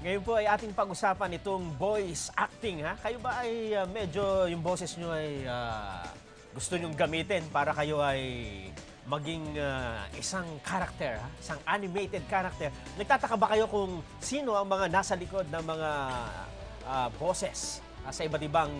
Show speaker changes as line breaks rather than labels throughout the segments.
Ngayon po ay ating pag-usapan itong voice acting, ha? Kayo ba ay medyo yung boses nyo ay gusto nyong gamitin para kayo ay maging isang character, ha? Isang animated character. Nagtataka ba kayo kung sino ang mga nasa likod ng mga boses sa iba't ibang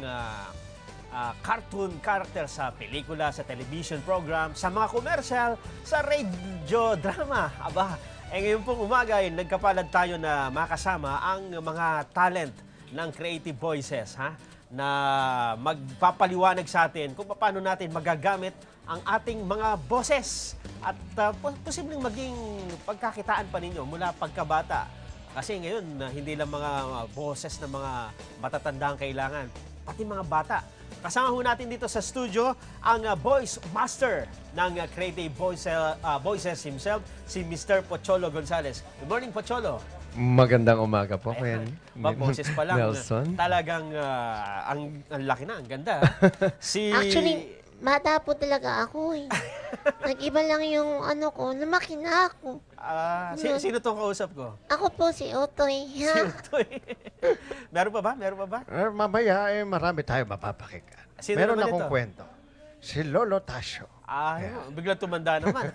cartoon character sa pelikula, sa television program, sa mga commercial, sa radio drama? Aba, ngayon pong umaga ay nagkapalad tayo na makasama ang mga talent ng Creative Voices, ha? Na magpapaliwanag sa atin kung paano natin magagamit ang ating mga boses at posibleng maging pagkakitaan pa ninyo mula pagkabata. Kasi ngayon, hindi lang mga boses ng mga matatanda ang kailangan, pati mga bata. Kasama ho natin dito sa studio ang voice master ng Creative Voices himself, si Mr. Pocholo Gonzales. Good morning, Pocholo.
Magandang umaga po, Kuya
Boses pa lang.
Nelson.
Talagang ang laki na, ang ganda. Si...
Actually, bata po talaga ako eh. Nag-iba lang yung ano ko, lumaki na ako.
sino tong kausap ko?
Ako po si Otoy.
Si Utoy. Meron pa ba? Meron pa ba?
Mamaya, marami tayo mapapakinggan.
Sino
Meron
naman
akong
ito?
kwento. Si Lolo Tasio.
Biglang tumanda naman.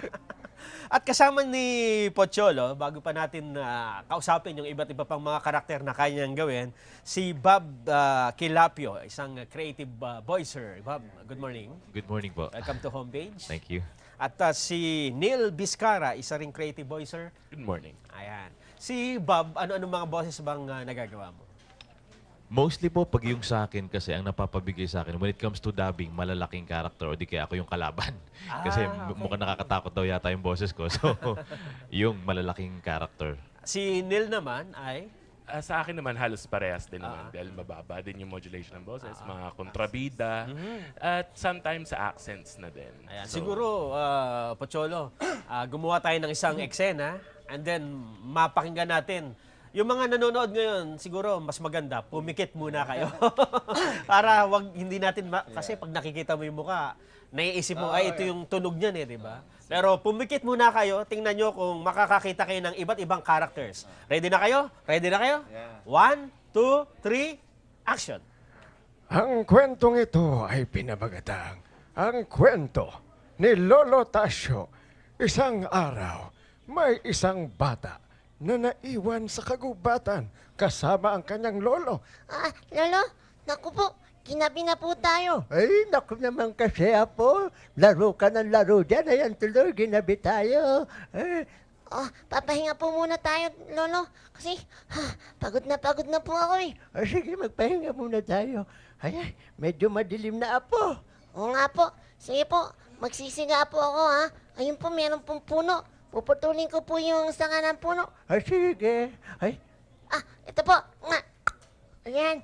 At kasama ni Pocholo, bago pa natin kausapin yung iba't iba pang mga karakter na kaya niyang gawin, si Bob Kilapio, isang creative voicer. Bob, good morning.
Good morning po.
Welcome to Homepage.
Thank you.
At si Neil Vizcara, isa ring creative voicer.
Good morning.
Ayan. Si Bob, ano-ano mga boses bang nagagawa mo?
Mostly po, pag yung sa akin kasi, ang napapabigay sa akin, when it comes to dubbing, malalaking character o di kaya ako yung kalaban. Kasi
okay.
mukhang nakakatakot daw yata yung boses ko. So, yung malalaking character.
Si Neil naman ay...
Sa akin naman, halos parehas din naman dahil mababa din yung modulation ng boses, mga kontrabida, at sometimes sa accents na din.
Ayan.
So,
Siguro, Pocholo, gumawa tayo ng isang eksena and then mapakinggan natin. Yung mga nanonood ngayon, siguro mas maganda, pumikit muna kayo. Para hindi natin, kasi pag nakikita mo yung mukha, naiisip mo, ay ito yung tunog niyan eh, di ba? Pero pumikit muna kayo, tingnan nyo kung makakakita kayo ng iba't ibang characters. Ready na kayo? Ready na kayo? 1, 2, 3, action!
Ang kwentong ito ay pinabagatang ang kwento ni Lolo Tasio. Isang araw, may isang bata na naiwan sa kagubatan kasama ang kanyang lolo.
Lolo, naku po, ginabi na po tayo.
Ay, naku naman kasi Apo. Laro ka ng laro dyan. Ayan tuloy, ginabi tayo.
Papahinga po muna tayo, Lolo. Kasi pagod na po ako eh.
Sige, magpahinga muna tayo. Ay, medyo madilim na Apo.
Oo nga po. Sige po, magsisiga po ako ha. Ayun po, meron pong puno. Puputulin ko po yung sanga ng puno.
Sige. Ay,
Ito po. Nga. Ayan.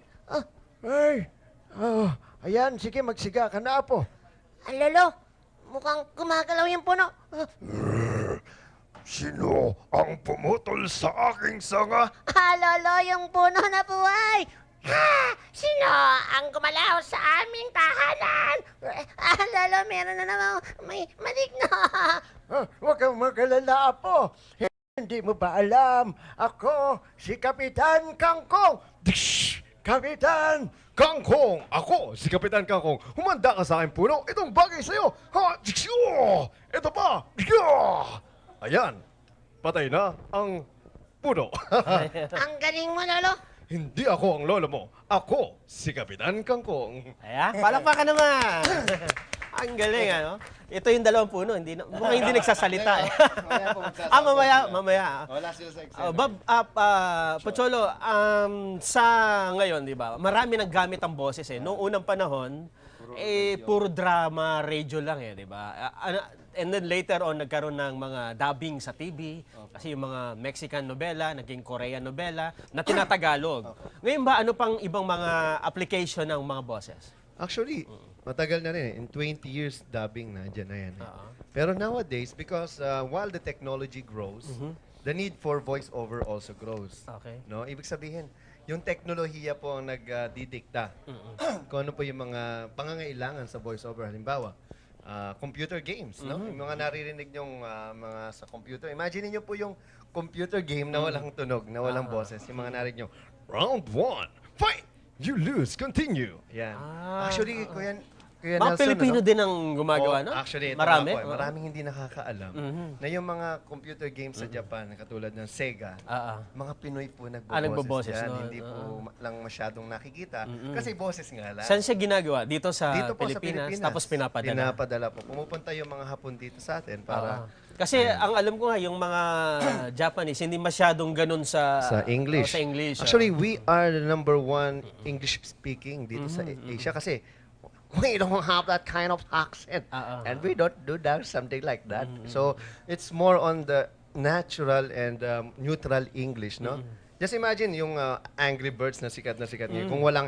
Ayan, sige, magsiga ka na, Apo.
Lolo, mukhang gumagalaw yung puno.
Sino ang pumutol sa aking sanga?
Lolo, yung puno na buhay. Sino ang gumalaw sa aming tahanan? Lolo, meron na naman may maligno.
huwag kang magalala, Apo. Hindi mo ba alam? Ako, si Kapitan Kangkong.
Kapitan Kangkong! Ako, si Kapitan Kangkong. Humanda ka sa aking puno. Itong bagay sa'yo. Ito pa. Ayan. Patay na ang puno.
Ang galing mo, Lolo.
Hindi ako ang lolo mo. Ako, si Kapitan Kangkong.
Ayan, palakpakan naman. Ang galing, ano? Ito yung dalawang puno, mukhang hindi nagsasalita. Mamaya.
Wala sila sa Excel.
Bob, Pocholo, sa ngayon, di ba, marami naggamit ang boses eh. Noong unang panahon, puro drama, radio lang eh, di ba? And then later on, nagkaroon ng mga dubbing sa TV, kasi yung mga Mexican novela, naging Korean novela, na tinatagalog. Ngayon ba, ano pang ibang mga application ng mga boses?
Actually, matagal na rin. In 20 years, dubbing na, dyan na yan. Pero nowadays, because while the technology grows, the need for voice-over also grows.
Okay.
No? Ibig sabihin, yung teknolohiya po ang nagdidikta kung ano po yung mga pangangailangan sa voice-over. Halimbawa, computer games, no? Yung mga naririnig nyong mga sa computer. Imagine niyo po yung computer game na walang tunog, na walang boses. Yung mga narinig nyo, round 1, fight!
You lose, continue.
Yan.
Ah,
Actually, Kuya
Mga
Nelson,
Pilipino
ano?
din ang gumagawa, no?
Actually, ito
Marami.
nga po, maraming hindi nakakaalam na yung mga computer games sa Japan, katulad ng Sega, mga Pinoy po
nagboboses,
nagboboses yan.
no?
Hindi po lang masyadong nakikita. Kasi boses nga lang.
Saan siya ginagawa? Dito sa
Dito po
Pilipinas,
sa Pilipinas.
tapos pinapadala.
Pinapadala po. Pumupunta yung mga Hapon dito sa atin para
Kasi ang alam ko nga, yung mga Japanese, hindi masyadong ganun sa
English.
sa English.
Actually, we are the #1 English speaking dito sa Asia kasi we don't have that kind of accent. And we don't do that, something like that. So, it's more on the natural and neutral English, no? Just imagine yung Angry Birds na sikat ngayon. Kung walang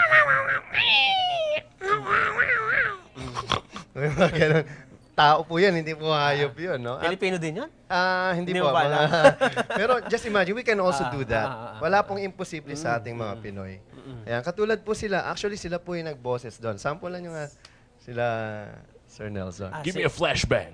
ganun. Tao po yan, hindi po hayop yun, no? At,
Pilipino din yun?
hindi
Hindi
po.
mo ba alam?
Pero just imagine, we can also do that. Wala pong imposible sa ating mga Pinoy. Ayan, katulad po sila, actually sila po yung nagboses doon. Sample lang yung sila, Sir Nelson.
Give me a flashbang.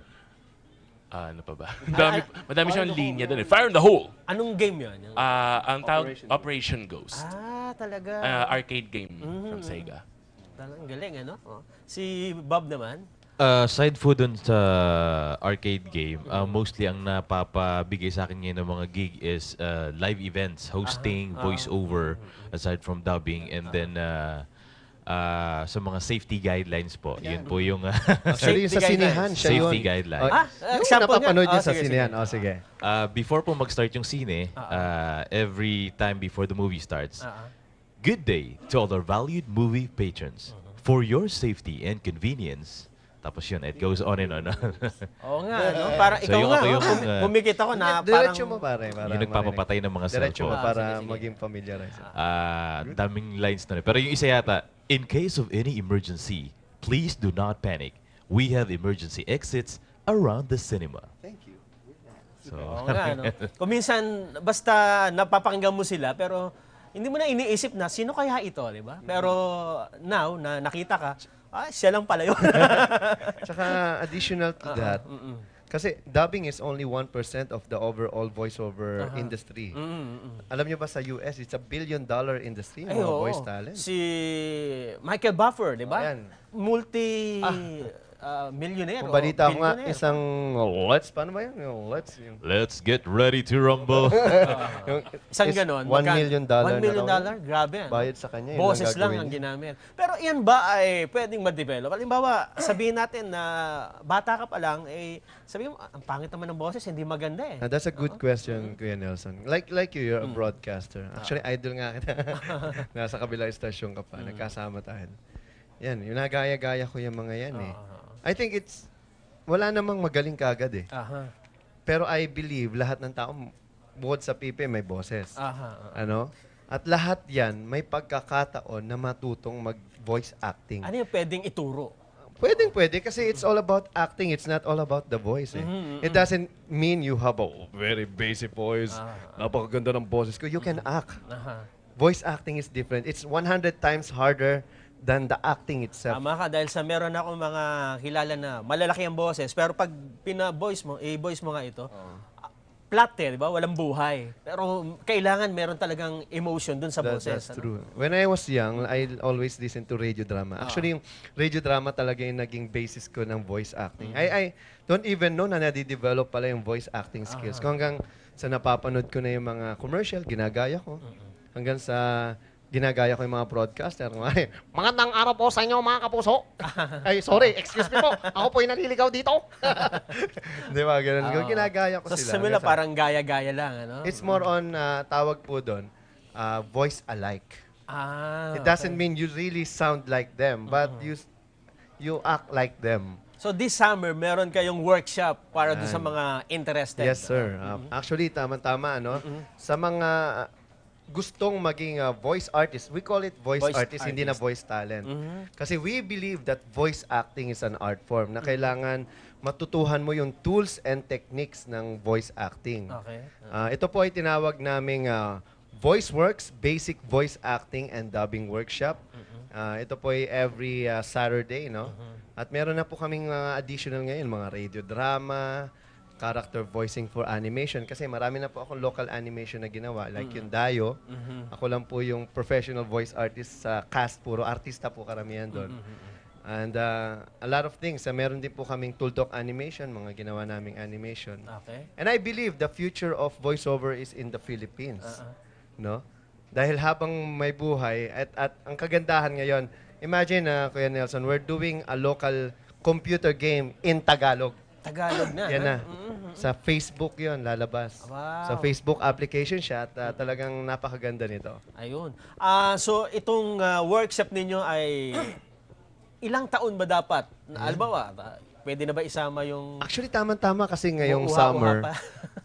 Ano pa ba? Madami siyang linya doon eh. Fire in the hole!
Anong game yun? Yung-
Ang tawag, Operation Ghost.
talaga.
Arcade game from Sega.
Talagang galing, ano? Si Bob naman?
Aside po dun sa arcade game, mostly ang napapabigay sa akin ngayon ng mga gig is live events, hosting, voiceover, aside from dubbing, and then sa mga safety guidelines po. Yun po yung
Actually, yung sa
Safety
sinehan, siya yun.
safety guidelines.
Yung
example nga.
napapanood niya sa
Sige,
sinehan.
sige.
Sige.
Before po mag-start yung sine, every time before the movie starts, good day to all our valued movie patrons. For your safety and convenience, tapos yun, it goes on and on.
Oo nga, no? Para
So,
ikaw
yung
nga,
ako yung,
pumikit ako na parang...
Diretso mo pare. Para
yung nagpapapatay ng mga
Diretso mo
cellphone.
para
sige.
maging familiarize.
Daming lines na rin. Pero yung isa yata, in case of any emergency, please do not panic. We have emergency exits around the cinema.
Thank you.
So,
Oo nga, no? Kung minsan, basta napapakinggan mo sila, pero hindi mo na iniisip na, sino kaya ito, di ba? Pero now, na nakita ka, siya lang pala yun.
Tsaka additional to that, kasi dubbing is only 1% of the overall voiceover industry. Alam niyo ba sa US, it's $1 billion industry,
Ay,
mga
oo.
voice talent.
Si Michael Buffer, di ba?
Ayan.
Multi-millionaire.
Kung balita ko nga,
billionaire.
isang paano ba yun? Yung yung,
let's get ready to rumble.
yung
Isang
is
ganon.
$1 million
$1 million?
na raw.
Grabe. Ano?
Bayad sa kanya. yun
Boses lang
gagawin
ang
niya.
ginamit. Pero yan ba ay pwedeng ma-develop? Halimbawa, sabihin natin na bata ka pa lang, sabihin mo, ang pangit naman ng boses, hindi maganda eh.
That's a good question, Kuya Nelson. Like you, you're a broadcaster. Actually, idol nga kita. Nasa kabilang estasyon ka pa. Nagkasama tayo. Yan, yung nagaya-gaya ko yung mga yan eh. I think wala namang magaling kagad eh. Pero I believe lahat ng tao, bukod sa pipe, may boses. Ano? At lahat yan, may pagkakataon na matutong mag-voice acting.
Ano yung pwedeng ituro?
Pwede kasi it's all about acting. It's not all about the voice. Eh. It doesn't mean you have a very basic voice. Napakaganda ng boses ko. You can act. Voice acting is different. It's 100 times harder than the acting itself.
Tama ka, dahil sa meron ako mga kilala na malalaki ang boses, pero pag pina-voice mo, i-voice mo nga ito, flat eh, di ba? Walang buhay. Pero kailangan meron talagang emotion dun sa boses.
That's true. When I was young, I always listen to radio drama. Actually, yung radio drama talaga yung naging basis ko ng voice acting. I don't even know na nadi-develop pala yung voice acting skills. Kung hanggang sa napapanood ko na yung mga commercial, ginagaya ko. Hanggang sa ginagaya ko yung mga broadcaster. Magandang araw po sa inyo, mga kapuso. Ay, sorry, excuse me po. Ako po yung naliligaw dito. Di ba, ganun. Ginagaya ko
So
sila.
sa simula,
Hanggang sa-
parang gaya-gaya lang, ano?
It's more on, tawag po doon, voice alike. It doesn't mean you really sound like them, but you act like them.
So this summer, meron kayong workshop para doon sa mga interested.
Yes, sir. Actually, tama-tama, no? Sa mga gustong maging voice artist, we call it voice artist, hindi na voice talent. Kasi we believe that voice acting is an art form na kailangan matutuhan mo yung tools and techniques ng voice acting.
Okay.
Ito po ay tinawag naming VoiceWorks, Basic Voice Acting and Dubbing Workshop. Ito po ay every Saturday, no? At meron na po kaming mga additional ngayon, mga radio drama, character voicing for animation. Kasi marami na po akong local animation na ginawa. Like yung Dayo. Ako lang po yung professional voice artist sa cast. Puro artista po karamihan doon. And a lot of things. Meron din po kaming Tuldok animation, mga ginawa naming animation.
Okay.
And I believe the future of voiceover is in the Philippines. No? Dahil habang may buhay, at ang kagandahan ngayon, imagine, Kuya Nelson, we're doing a local computer game in Tagalog.
Tagalog na.
Yan
ha?
na. Sa Facebook yon lalabas.
Wow.
Sa Facebook application siya at talagang napakaganda nito.
Ayun. So, itong workshop ninyo ay ilang taon ba dapat? Albawa, pwede na ba isama yung...
Actually, tama-tama kasi ngayong
Uha-uha
summer,
pa.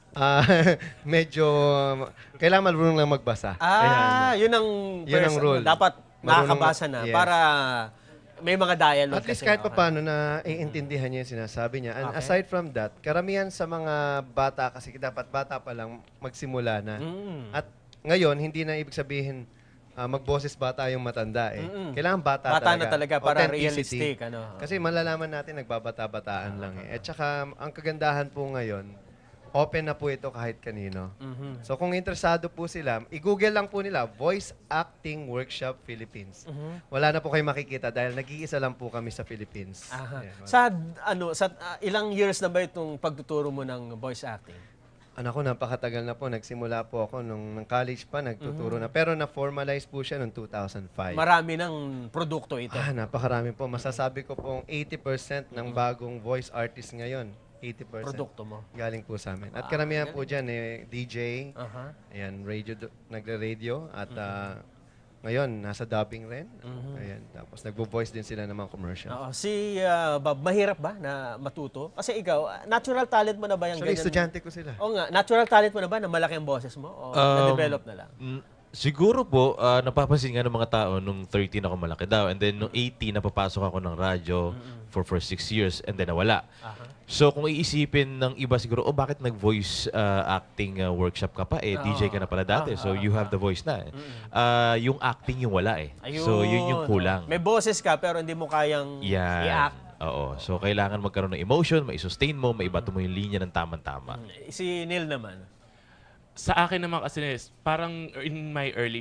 medyo kailangan marunong lang magbasa.
Yun ang
Yun ang
first,
rule.
dapat
Marunong
nakakabasa na
yes.
para may mga dialogue.
At least
kasi,
kahit
okay.
pa paano na iintindihan niya yung sinasabi niya. And
Okay.
aside from that, karamihan sa mga bata, kasi dapat bata pa lang magsimula na. At ngayon, hindi na ibig sabihin magboses bata yung matanda eh. Kailangan bata
Bata na talaga para
Authenticity.
realistic. Ano?
Kasi malalaman natin nagbabata-bataan lang eh. At saka ang kagandahan po ngayon, open na po ito kahit kanino. So kung interesado po sila, i-google lang po nila, Voice Acting Workshop Philippines. Wala na po kayo makikita dahil nag-iisa lang po kami sa Philippines.
Aha.
Ayan.
Sa ilang years na ba itong pagtuturo mo ng voice acting?
Ako, napakatagal na po. Nagsimula po ako nung college pa, nagtuturo na. Pero na-formalize po siya noong 2005.
Marami ng produkto ito.
Napakarami po. Masasabi ko pong 80% ng bagong voice artist ngayon. 80%.
Produkto mo.
Galing po sa amin. At karamihan po dyan, DJ,
Aha.
ayan, nagre-radio, at ngayon, nasa dubbing rin. Ayan, tapos nagbo-voice din sila ng mga commercial.
Oo. Si Bob, mahirap ba na matuto? Kasi ikaw, natural talent mo na ba yung
Actually,
ganyan?
estudyante ko sila.
Oo nga, natural talent mo na ba na malaki ang boses mo? O na-develop na lang?
Siguro po, napapansin nga ng mga tao nung 13 ako malaki daw. And then nung 18, napapasok ako ng radyo for 6 years and then nawala. So kung iisipin ng iba siguro, bakit nag-voice acting workshop ka pa? DJ ka na pala dati. So you have the voice na. Yung acting yung wala eh. So yun yung kulang.
May boses ka pero hindi mo kayang
Yan.
i-act.
Oo. So kailangan magkaroon ng emotion, mai-sustain mo, maibato mo yung linya ng tama-tama.
Si Neil naman.
Sa akin naman kasi parang in my early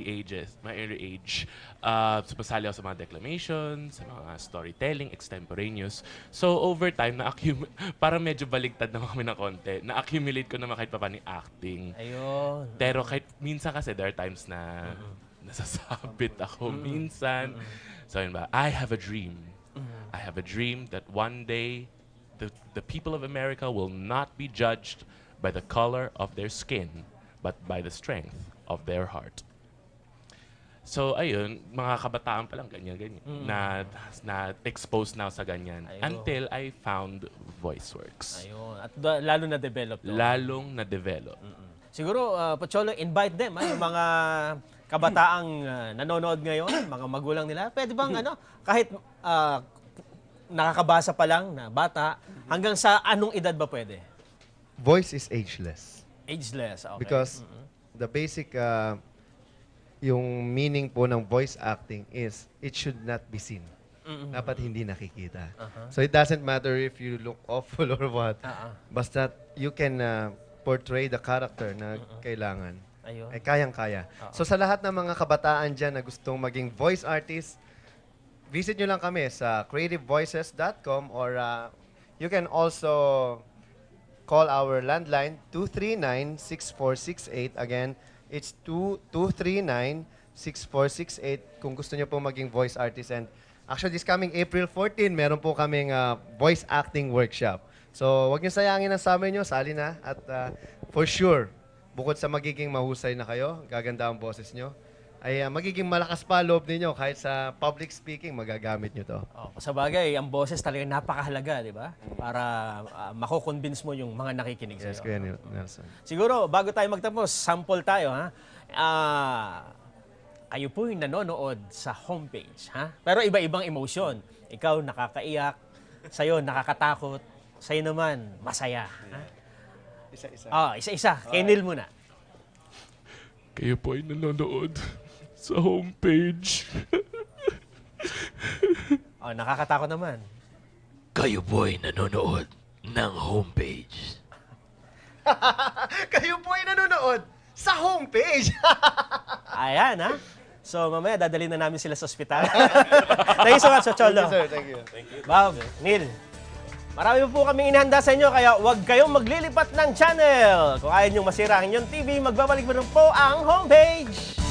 age, sumasali ako sa mga declamation, sa mga storytelling, extemporaneous. So over time, parang medyo baligtad naman kami ng konti. Na-accumulate ko naman kahit pa paano yung acting.
Ayun.
Pero kahit minsan kasi there are times na nasasabit ako minsan. So yun ba, I have a dream. I have a dream that one day the people of America will not be judged by the color of their skin, but by the strength of their heart. So, ayun, mga kabataan pa lang, ganyan. Na-expose na sa ganyan.
Ayun.
Until I found VoiceWorks.
Ayun. At lalo na-develop to.
Lalong na-develop.
Siguro, Pocholo, invite them, yung mga kabataang nanonood ngayon, mga magulang nila. Pwede bang, kahit nakakabasa pa lang na bata, hanggang sa anong edad ba pwede?
Voice is ageless.
Ageless, okay.
Because the basic, yung meaning po ng voice acting is, it should not be seen. Dapat hindi nakikita. So it doesn't matter if you look awful or what. Basta you can portray the character na kailangan.
Ayun.
Ay kayang-kaya. So sa lahat ng mga kabataan dyan na gustong maging voice artist, visit nyo lang kami sa creativevoices.com or you can also call our landline 239-6468. Again, it's 239-6468 kung gusto nyo po maging voice artist. And actually, this coming April 14, meron po kaming voice acting workshop. So, wag nyo sayangin ang summer nyo, sali na. At for sure, bukod sa magiging mahusay na kayo, gaganda ang boses nyo, ay magiging malakas pa loob ninyo kahit sa public speaking, magagamit nyo to.
Sa bagay, ang boses talaga napakahalaga, di ba? Para mako-convince mo yung mga nakikinig sa'yo.
Yes, Kuya Nelson.
Siguro, bago tayo magtapos, sample tayo, ha? Kayo po yung nanonood sa homepage, ha? Pero iba-ibang emotion. Ikaw, nakakaiyak. Sa'yo, nakakatakot. Sa'yo naman, masaya. Ha?
Isa-isa.
Isa-isa. Kay Neil muna.
Kayo po ay nanonood sa homepage.
Nakakatakot naman.
Kayo po'y nanonood ng homepage.
Kayo po ay nanonood sa homepage.
Ayan, ha? So, mamaya dadalhin na namin sila sa ospital. Thank you so much, Cholo.
Sir, thank you.
Bob, Neil, marami po kaming inihanda sa inyo, kaya huwag kayong maglilipat ng channel. Kung ayaw niyong masira ang inyong TV, magbabalik mo rin po ang homepage.